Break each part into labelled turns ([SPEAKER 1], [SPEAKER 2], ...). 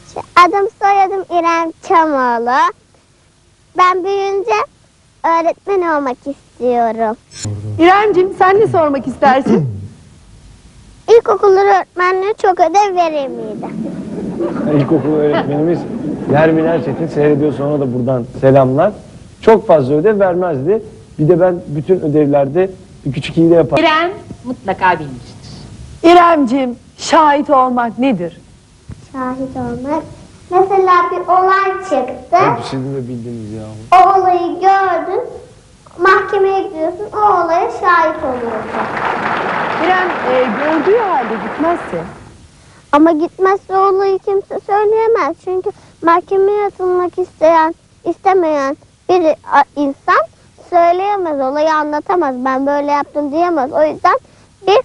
[SPEAKER 1] Adım soyadım İrem Çamoğlu. Ben büyüyünce öğretmen olmak istiyorum.
[SPEAKER 2] İremciğim sen ne sormak istersin?
[SPEAKER 1] İlkokul öğretmenliği çok ödev verir miydi?
[SPEAKER 3] İlkokul öğretmenimiz Nermin Erçetin seyrediyor, sonra da buradan selamlar. Çok fazla ödev vermezdi. Bir de ben bütün ödevlerde bir küçük hile yapardım.
[SPEAKER 4] İrem mutlaka bilmiştir.
[SPEAKER 2] İremciğim, şahit olmak nedir?
[SPEAKER 1] Şahit olmak. Mesela bir olay çıktı.
[SPEAKER 3] Hep sizin de bildiniz ya.
[SPEAKER 1] O olayı gördün. Mahkemeye gidiyorsun. O olaya şahit oluyorsun.
[SPEAKER 2] İrem gördüğü halde gitmezse.
[SPEAKER 1] Ama gitmezse olayı kimse söyleyemez. Çünkü mahkemeye atılmak istemeyen bir insan söyleyemez. Olayı anlatamaz. Ben böyle yaptım diyemez. O yüzden bir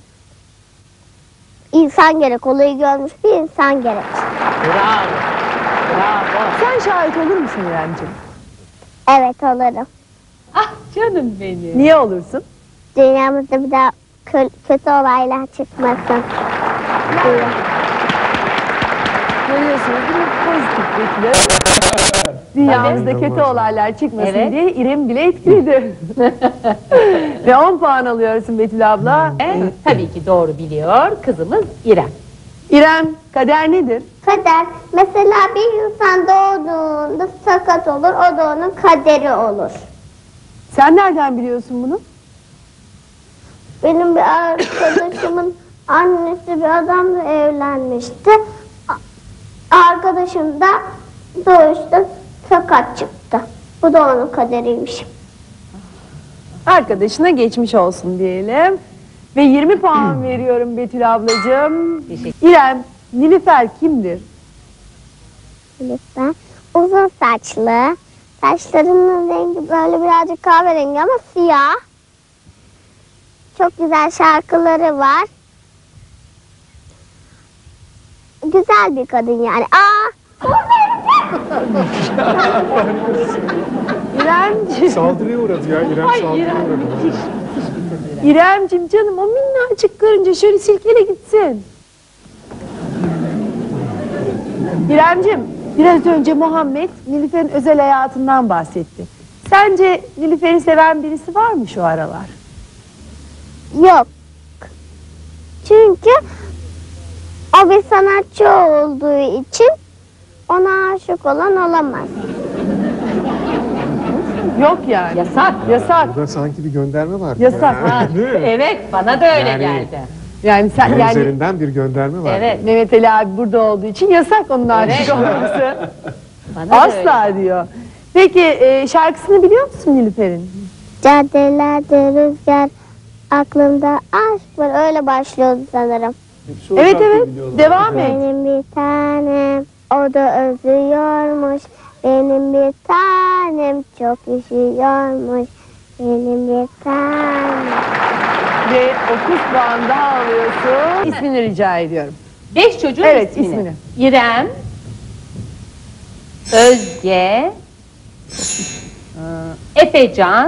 [SPEAKER 1] insan gerek. Olayı görmüş bir insan gerek.
[SPEAKER 4] Bravo. Bravo.
[SPEAKER 2] Sen şahit olur musun İremciğim?
[SPEAKER 1] Evet, olurum.
[SPEAKER 4] Ah canım benim.
[SPEAKER 2] Niye olursun?
[SPEAKER 1] Dünyamızda bir daha kötü olaylar çıkmasın diye.
[SPEAKER 2] Görüyorsunuz değil mi? Pozitif dünyamızda kötü olaylar çıkmasın
[SPEAKER 4] Evet.
[SPEAKER 2] diye İrem bile etkiledi. Ve 10 puan alıyorsun Betül abla.
[SPEAKER 4] Tabii ki doğru biliyor kızımız İrem.
[SPEAKER 2] İrem, kader nedir?
[SPEAKER 1] Kader. Mesela bir insan doğduğunda sakat olur. O da onun kaderi olur.
[SPEAKER 2] Sen nereden biliyorsun bunu?
[SPEAKER 1] Benim bir arkadaşımın annesi bir adamla evlenmişti. Arkadaşım da doğuşta sakat çıktı. Bu da onun kaderiymiş.
[SPEAKER 2] Arkadaşına geçmiş olsun diyelim. Ve 20 puan veriyorum Betül ablacığım.
[SPEAKER 4] Teşekkür.
[SPEAKER 2] İrem, Nilüfer kimdir?
[SPEAKER 1] Lütfen. Uzun saçlı. Saçlarının rengi böyle birazcık kahverengi ama siyah. Çok güzel şarkıları var. Güzel bir kadın yani.
[SPEAKER 2] İremciğim.
[SPEAKER 5] Saldırıya uğradı ya. İrem saldırıya uğradı.
[SPEAKER 2] İremciğim canım, o minnacık karınca şöyle silkele gitsin. İremciğim, biraz önce Muhammed Nilüfer'in özel hayatından bahsetti. Sence Nilüfer'i seven birisi var mı şu aralar?
[SPEAKER 1] Yok. Çünkü o bir sanatçı olduğu için ona aşık olan olamaz.
[SPEAKER 2] Yok yani.
[SPEAKER 4] Yasak.
[SPEAKER 2] Yasak.
[SPEAKER 5] Burada sanki bir gönderme var.
[SPEAKER 2] Yasak.
[SPEAKER 4] Ha, evet bana da öyle
[SPEAKER 5] Yani-
[SPEAKER 4] geldi.
[SPEAKER 2] Yani sen
[SPEAKER 5] Bunun
[SPEAKER 2] yani
[SPEAKER 5] üzerinden bir gönderme var.
[SPEAKER 4] Evet.
[SPEAKER 2] Mehmet Ali abi burada olduğu için yasak onun aşık
[SPEAKER 4] Evet.
[SPEAKER 2] olması.
[SPEAKER 4] Bana da öyle.
[SPEAKER 2] Asla diyor. Peki şarkısını biliyor musun Nilüfer'in?
[SPEAKER 1] Caddelerde rüzgar, aklımda aşk var. Öyle başlıyordu sanırım.
[SPEAKER 3] Hepsi o
[SPEAKER 2] Evet
[SPEAKER 3] şarkıyı
[SPEAKER 2] evet.
[SPEAKER 3] biliyorlar.
[SPEAKER 2] Devam et.
[SPEAKER 1] Benim bir tanem, o da özlüyormuş. Benim bir tanem, çok üşüyormuş. Benim bir tanem.
[SPEAKER 2] Ve 30 puan daha alıyorsun. İsmini rica ediyorum.
[SPEAKER 4] 5 çocuğun
[SPEAKER 2] Evet,
[SPEAKER 4] ismini.
[SPEAKER 2] ismini.
[SPEAKER 4] İrem, Özge, Efecan,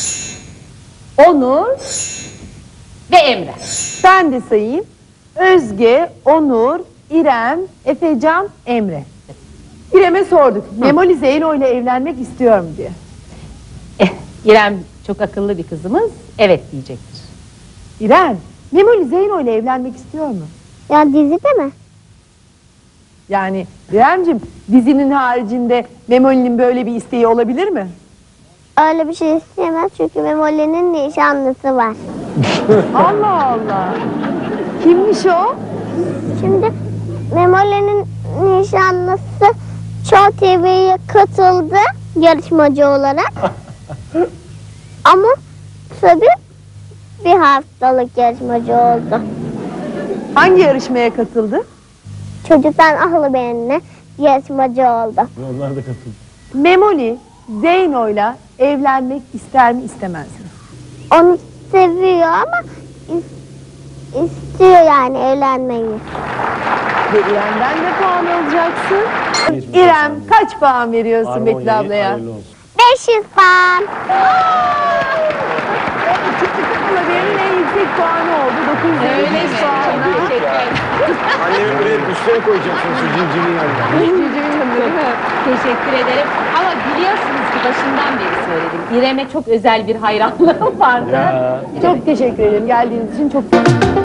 [SPEAKER 4] Onur ve Emre.
[SPEAKER 2] Ben de sayayım. Özge, Onur, İrem, Efecan, Emre. İrem'e sorduk. Memoli Zeyno ile evlenmek istiyor mu diye.
[SPEAKER 4] İrem çok akıllı bir kızımız. Evet diyecektir.
[SPEAKER 2] İrem, Memoli Zeyno ile evlenmek istiyor mu?
[SPEAKER 1] Ya dizide mi?
[SPEAKER 2] Yani İremciğim, dizinin haricinde Memoli'nin böyle bir isteği olabilir mi?
[SPEAKER 1] Öyle bir şey isteyemez çünkü Memoli'nin nişanlısı var.
[SPEAKER 2] Allah Allah. Kimmiş o?
[SPEAKER 1] Şimdi Memoli'nin nişanlısı Show TV'ye katıldı yarışmacı olarak. Ama tabii bir haftalık yarışmacı oldu.
[SPEAKER 2] Hangi yarışmaya katıldı?
[SPEAKER 1] Çocuktan ahlı benimle yarışmacı oldu.
[SPEAKER 3] Onlar da katıldı.
[SPEAKER 2] Memoli Zeyno'yla evlenmek ister mi istemez mi?
[SPEAKER 1] Onu seviyor ama istiyor yani evlenmeyi.
[SPEAKER 2] Ve İrem'den de puan alacaksın.
[SPEAKER 3] Geçmiş
[SPEAKER 2] İrem
[SPEAKER 3] olsun.
[SPEAKER 2] kaç puan veriyorsun
[SPEAKER 3] Harmonya'yı
[SPEAKER 2] Betül ablaya?
[SPEAKER 3] hayırlı olsun.
[SPEAKER 1] 500 puan.
[SPEAKER 2] Çıktı kafalı benim en yüksek puanı oldu. 905 puanla.
[SPEAKER 4] Teşekkür ederim.
[SPEAKER 3] Annemi buraya üstüne koyacaksın şu civcivin yanına.
[SPEAKER 2] Civcivin yanında değil mi?
[SPEAKER 4] Teşekkür ederim. Ama biliyorsunuz ki başından beri söyledim. İrem'e çok özel bir hayranlığım vardı.
[SPEAKER 3] Ya.
[SPEAKER 2] Çok teşekkür ederim. Geldiğiniz için çok